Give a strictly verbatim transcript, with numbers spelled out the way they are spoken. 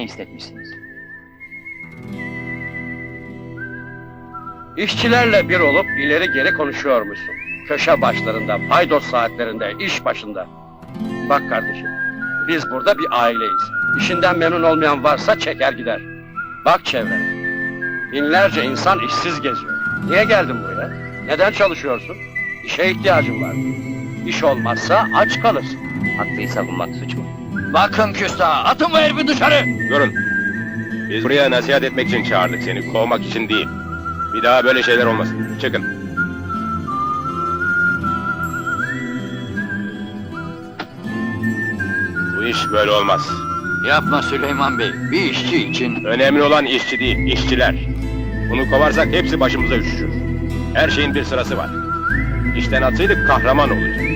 ne hissetmişsiniz? İşçilerle bir olup ileri geri konuşuyormuşsun. Köşe başlarında, paydos saatlerinde, iş başında. Bak kardeşim, biz burada bir aileyiz. İşinden memnun olmayan varsa çeker gider. Bak çevrene. Binlerce insan işsiz geziyor. Niye geldin buraya? Neden çalışıyorsun? İşe ihtiyacın var. İş olmazsa aç kalırsın. Haklıyı savunmak suç mu? Bakın küstah, atın bu herifi dışarı! Durun. Biz buraya nasihat etmek için çağırdık seni, kovmak için değil. Bir daha böyle şeyler olmasın. Çıkın. Bu iş böyle olmaz. Yapma Süleyman Bey, bir işçi için... Önemli olan işçi değil, işçiler. Bunu kovarsak hepsi başımıza üşüşür. Her şeyin bir sırası var. İşten atsaydık kahraman olacak.